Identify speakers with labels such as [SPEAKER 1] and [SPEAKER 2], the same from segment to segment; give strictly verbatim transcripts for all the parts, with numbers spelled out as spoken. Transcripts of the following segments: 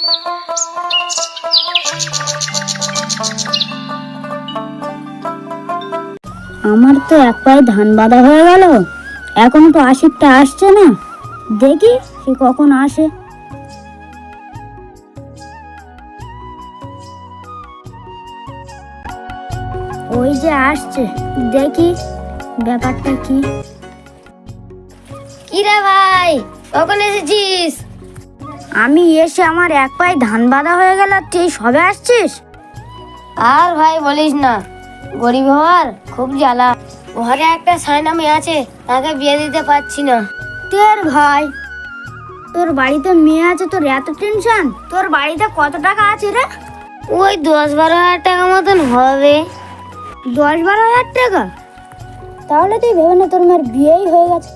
[SPEAKER 1] আমার তো এক পায়ে ধান বাঁধা হয়ে গেল, এখনো তো আশিরটা আসছে না। দেখি সে কখন আসে। ওই যে আসছে, দেখি ব্যাপারটা কি।
[SPEAKER 2] কি রে ভাই, কখন এসেছিস?
[SPEAKER 1] আমি এসে আমার এক পায়ে ধান বাঁধা হয়ে গেল, তুই সবে আসছিস?
[SPEAKER 2] আর ভাই বলিস না, গরিব হওয়ার খুব জ্বালা। ঘরে একটা সায়না মেয়ে আছে, তাকে বিয়ে দিতে পারছি না।
[SPEAKER 1] তোর ভাই, তোর বাড়িতে মেয়ে আছে, তোর এত টেনশন? তোর বাড়িতে কত টাকা আছে রে?
[SPEAKER 2] ওই দশ বারো হাজার টাকা মতন হবে।
[SPEAKER 1] দশ বারো হাজার টাকা? তাহলে তুই ভেবে না তোর মেয়ের বিয়েই হয়ে গেছে।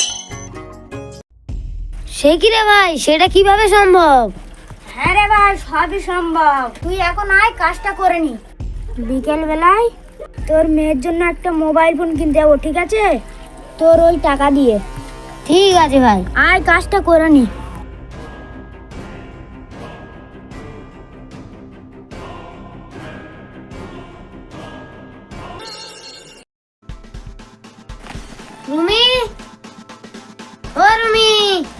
[SPEAKER 2] সে কি রে ভাই, সেটা কিভাবে সম্ভব?
[SPEAKER 1] হ্যাঁ রে ভাই, সবই সম্ভব। তুই এখন আয়, কাজটা করে নি। বিকেল বেলায় তোর মেয়ের জন্য একটা মোবাইল ফোন কিনতে যাবো, ঠিক আছে? তোর ওই টাকা দিয়ে।
[SPEAKER 2] ঠিক আছে ভাই।
[SPEAKER 1] আয়, কাজটা করে নি।
[SPEAKER 2] রুমি, ও রুমি।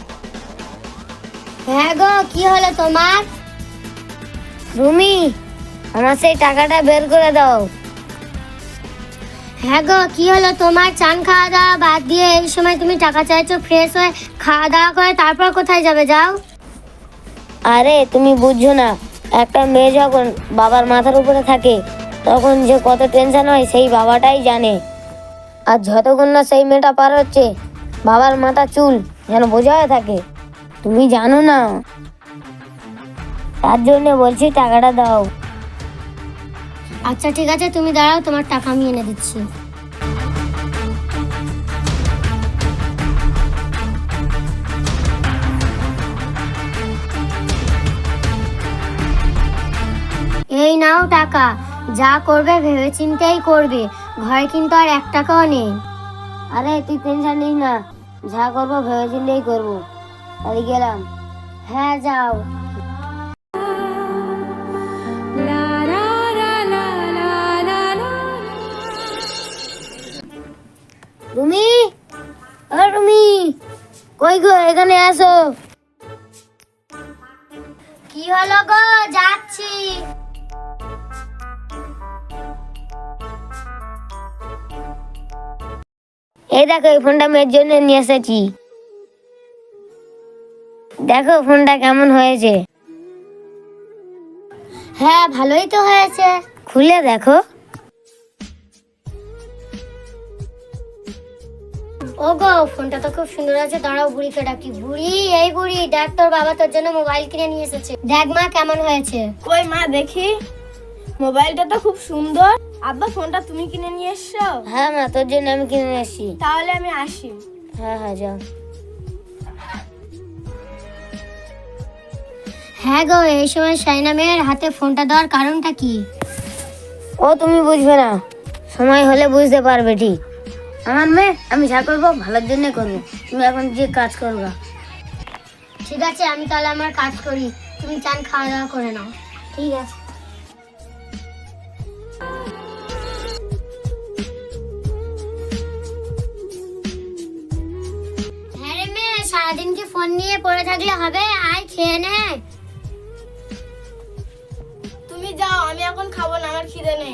[SPEAKER 2] হ্যাঁ গো, কি হলো তোমার? রুমি, আমার সেই টাকাটা বের করে দাও। হ্যাঁ গো, কি হলো তোমার? চান খাওয়া দাওয়া বাদ দিয়ে এই সময় তুমি টাকা চাইছো? ফ্রেশ হয়ে খাওয়া দাওয়া করে তারপর কোথায় যাবে, যাও। আরে তুমি বুঝছো না, একটা মেয়ে যখন বাবার মাথার উপরে থাকে তখন যে কত টেনশন হয় সেই বাবাটাই জানে। আর যতক্ষণ না সেই মেয়েটা পার হচ্ছে, বাবার মাথা চুল যেন বোঝা হয়ে থাকে। তুমি জানো না, তার জন্য বলছি টাকাটা দাও। আচ্ছা ঠিক আছে, তুমি দাঁড়াও, তোমার টাকা আমি এনে দিচ্ছি। এই নাও টাকা, যা করবে ভেবে চিন্তেই করবে, ঘরে কিন্তু আর এক টাকাও নেই। আরে তুই টেনশন নিস না, যা করবো ভেবে চিন্তেই করবো। তাহলে গেলাম। হ্যাঁ যাও। রুমি, ও রুমি, কই গো, এখানে আসো। কি হলো গো? যাচ্ছি। এই দেখো, এই ফোনটা মেয়ের জন্য নিয়ে এসেছি। দেখো ফোনটা কেমন হয়েছে। হ্যাঁ ভালোই তো হয়েছে, খুলে দেখো। ওগো, ফোনটা তো খুব সুন্দর আছে। দাঁড়াও, বুড়িকে ডাকি। বুড়ি, এই বুড়ি, দেখ তোর বাবা তোর জন্য মোবাইল কিনে নিয়ে এসেছে। দেখ মা কেমন হয়েছে।
[SPEAKER 3] কই মা, দেখি। মোবাইলটা তো খুব সুন্দর। আব্বা, ফোনটা তুমি কিনে নিয়ে এসছো?
[SPEAKER 2] হ্যাঁ মা, তোর জন্য আমি কিনে নিয়ে এসেছি।
[SPEAKER 3] তাহলে আমি আসি।
[SPEAKER 2] হ্যাঁ হ্যাঁ যাও। হ্যাঁ গো, এই সময় সাইনা মেয়ের হাতে ফোনটা দেওয়ার কারণটা কি? ও তুমি বুঝবে না, সময় হলে বুঝতে পারবে। ঠিক আমার মেয়ে, আমি যা করবো ভালোর জন্য করবো। তুমি এখন যে কাজ করবা। ঠিক আছে, আমি তাহলে আমার কাজ করি, তুমি চান খাওয়া দাওয়া করে নাও। ঠিক আছে। হ্যাঁ রে মেয়ে, সারাদিন কি ফোন নিয়ে পড়ে থাকলে হবে? আয় খেয়ে নে।
[SPEAKER 3] তুমি যাও, আমি এখন খাবো না, আমার খিদে নেই।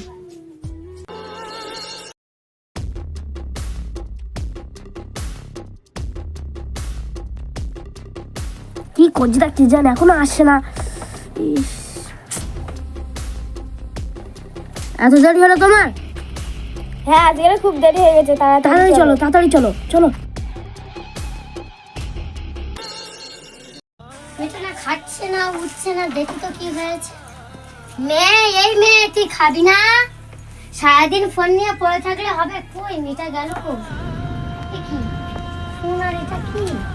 [SPEAKER 1] কি করছি তা কি জানি, এখনো আসছে না। এত দেরি হলো তোমার?
[SPEAKER 3] হ্যাঁ, আজকে খুব দেরি হয়ে গেছে।
[SPEAKER 1] তাড়াতাড়ি চলো, তাড়াতাড়ি চলো, চলো।
[SPEAKER 2] মেয়েটা না খাচ্ছে না, উঠছে না, দেখি তো কি হয়েছে। মেয়ে, এই মেয়ে, তুই খাবি না? সারাদিন ফোন নিয়ে পড়ে থাকলে হবে? কই মেয়েটা গেল? কই? কি ফোন আর এটা কি?